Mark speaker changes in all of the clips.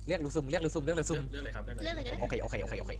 Speaker 1: เรียกหรือซุ่มเรียกหรือซุ่มเรียกหรือซุ่ม
Speaker 2: เรื่องเลยครับ
Speaker 3: เรื่องอะไรก็ได้
Speaker 1: โอเคโอเคโอเคโอเค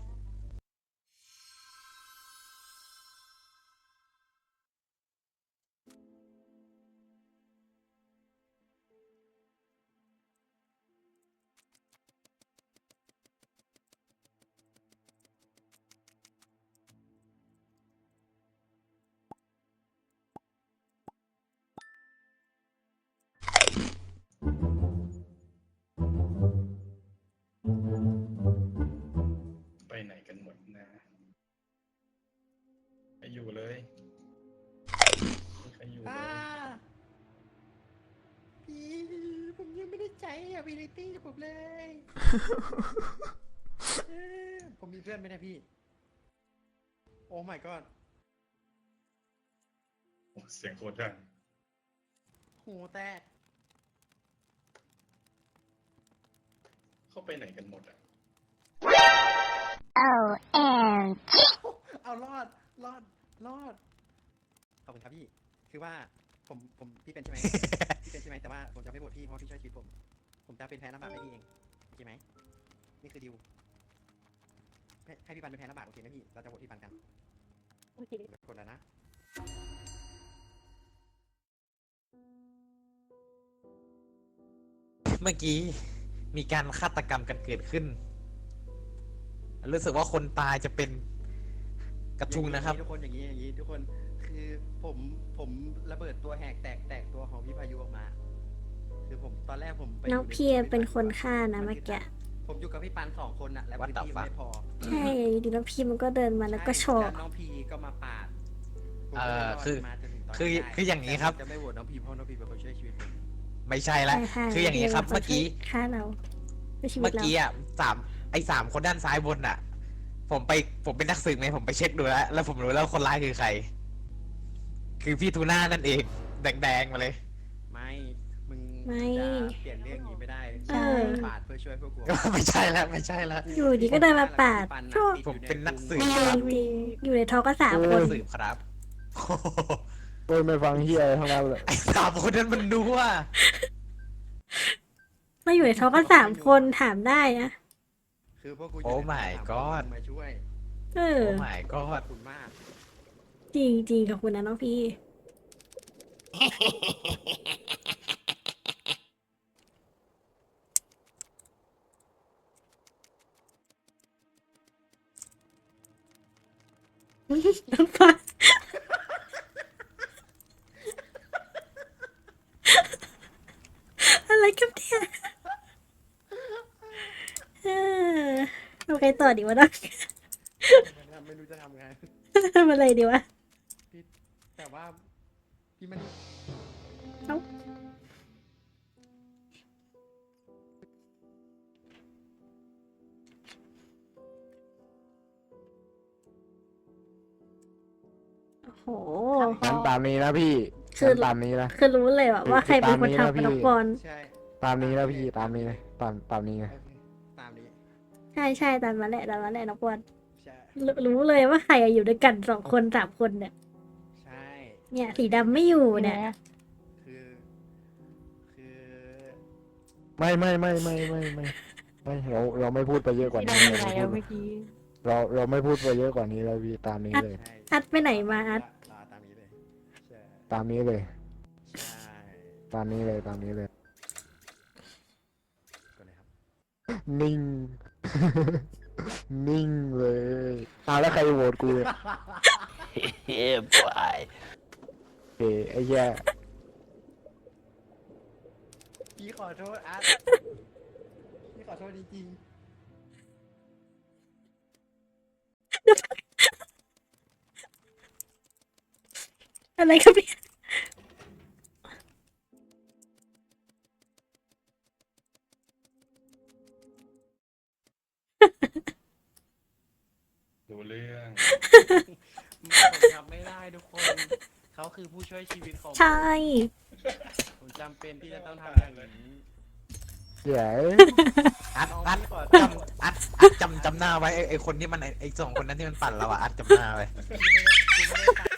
Speaker 2: ไปไหนกันหมดนะไปอยู่เลยไปอยู่เลย
Speaker 4: พี่ผมยังไม่ได้ใจability ผมเลยผมมีเพื่อนไหมเนี่ยพี่ โอ้ my god
Speaker 2: โอ้เสียงโคตรดัง
Speaker 4: หูแตก
Speaker 2: เข้าไปไหนกันหมดอ่ะ
Speaker 4: เอารอด รอด รอด ขอบคุณครับพี่ คือว่าผมพี่เป็นใช่ไหม พี่เป็นใช่ไหมแต่ว่าผมจะไม่โหวตพี่เพราะพี่ช่วยชีวิตผมจะเป็นแพ้น้ำบากให้พี่เองโอเคไหมนี่คือดิวให้พี่ปันเป็นแพ้น้ำบากโอเคไหมพี่เราจะโหวตพี่ปันกันโอเคกดแล้วนะ
Speaker 1: เมื่อกี้มีการฆาตกรรมกันเกิดขึ้นรู้สึกว่าคนตายจะเป็นกระทุงนะครับ
Speaker 4: ทุกคนอย่างนี้ทุกคนคือผมระเบิดตัวแหกแตกตัวของพี่พายุออกมา คือผมตอนแรกผมไป
Speaker 5: น้องเพียเป็นคนฆ่านะเมื่อกี้
Speaker 4: ผมอยู่กับพี่ปัน2 คนน่ะแล้ว
Speaker 1: What
Speaker 4: พื้น
Speaker 1: the
Speaker 4: ที่
Speaker 1: fuck
Speaker 4: ไม่พอ
Speaker 5: ใช่อยู่ดีน้องพีมันก็เดินมาแล้วก็โช
Speaker 4: ใช่
Speaker 5: ว์
Speaker 4: แล้วน้องพีก็มาปาดผมก็เลยรดมาจนถึงตน
Speaker 1: คือ
Speaker 4: นี้ได้
Speaker 1: คืออย่างนี้ครับ
Speaker 4: แต่ผมจะไม่โหวตน้องพีเพราะน้องพีเป็นคนช่วยชีวิตผม
Speaker 1: ไม่ใช่ละ
Speaker 5: ใช่
Speaker 1: คืออย่างนี้ครับ
Speaker 5: พี
Speaker 1: เมื่อกี้
Speaker 5: ฆ่าเราในชีวิ
Speaker 1: เมื่
Speaker 5: ต
Speaker 1: อ
Speaker 5: เรา
Speaker 1: กี้อ่ะสามคนด้านซ้ายบนอ่ะ ผมเป็นนักสืบไงผมไปเช็คดูแล้วผมรู้แล้วคนร้ายคือใคร คือพี่ทูน่านั่นเอง แดงๆมาเลย
Speaker 4: ไม่มึง
Speaker 5: ไม่
Speaker 4: จะเปลี่ยนเรื่องนี้ไม่ได้
Speaker 5: เออ
Speaker 4: ปาดเพื่อช่วยพวกกู
Speaker 1: ไม่ใช่แล้วไม่ใช่แล้ว
Speaker 5: อยู่ดีก็เดินมาปาดโชว์
Speaker 1: ผมเป็นนักสืบ
Speaker 5: จริงๆอยู่ในท้องก็3 คน
Speaker 1: สืบครับโอ้โห
Speaker 6: โอ้ยไม่ฟังเฮียทั้งนั้นเลย
Speaker 1: ไอ้3 คนนั้นมันดูว่า
Speaker 5: มาอยู่ในท้องก็3 คนถามได้นะ
Speaker 4: คือพวกกูยู่
Speaker 1: โอ้
Speaker 4: ใน
Speaker 1: my
Speaker 4: สาม
Speaker 1: god
Speaker 4: คนมาช่วย
Speaker 5: เออ
Speaker 1: โอ้ my
Speaker 4: ข
Speaker 1: god
Speaker 4: อบคุณมาก
Speaker 5: จริงจริงๆขอบคุณนะน้องพี่ น้องฟ้าอะไรกันเนี่ยเออโอเคต่อดีวะน้อง
Speaker 4: ไม่รู้จะทำไง
Speaker 5: ทำอะไรดีวะ
Speaker 4: พี่แต่ว่าพี่มัน
Speaker 5: เอ้า โอ้โห
Speaker 6: งั้นตามนี้นะพี่
Speaker 5: คือ
Speaker 6: งั้นตามนี้นะ
Speaker 5: คือรู้เลยว่าใครเป็นคนทำกับน้องบอล
Speaker 4: ใช่
Speaker 6: ตามนี้นะพี่ตามนี้นะตามนี้นะ
Speaker 4: โอเคตามนี้
Speaker 5: ใช่ตามมาแหละน้องบอล
Speaker 4: ใช่
Speaker 5: รู้เลยว่าใครอยู่ด้วยกัน2 คน3 คนเนี่ย
Speaker 4: ใช่
Speaker 5: เนี่ยสีดำไม่อยู่เนี่ย
Speaker 4: คือคือ
Speaker 6: ไม่เราไม่พูดไปเยอะกว่านี้เราไม่พูดไปเยอะกว่านี้แล้วพี่ตามนี้เลย
Speaker 4: ใช่
Speaker 5: อัดไปไหนมาอัด
Speaker 4: รอตามนี้เลยใช่
Speaker 6: ตามนี้เลย
Speaker 4: ใช่
Speaker 6: ตามนี้เลยตามนี้เลย
Speaker 4: ก็เลยครับ
Speaker 6: นิ่ง นิ่งเลยแล้วใครโหวตกูเนี่ย
Speaker 1: Yeah boy
Speaker 6: โอเคไอ้แย่
Speaker 4: พี่ขอโทษอาร์ตพี่ขอโทษจริง
Speaker 5: อะไรครับพี่
Speaker 2: ดูเรื่อง
Speaker 4: ๆผมทำไม่ได้ทุกคน เขาคือผู้ช่วยชีวิตของผม
Speaker 5: ใช่
Speaker 4: ผมจำเป็นที่จะต้องทำอย่างนี้
Speaker 6: เดี๋ยว
Speaker 1: อัด
Speaker 4: น้อง
Speaker 1: อัด
Speaker 4: พี่ขอโทษ
Speaker 1: อัดจำหน้าไว้ไอ้คนที่มันไอ้2 คนนั้นที่มันปั่นเราอ่ะอัดจำหน้าไว้
Speaker 4: คุณไม่ได้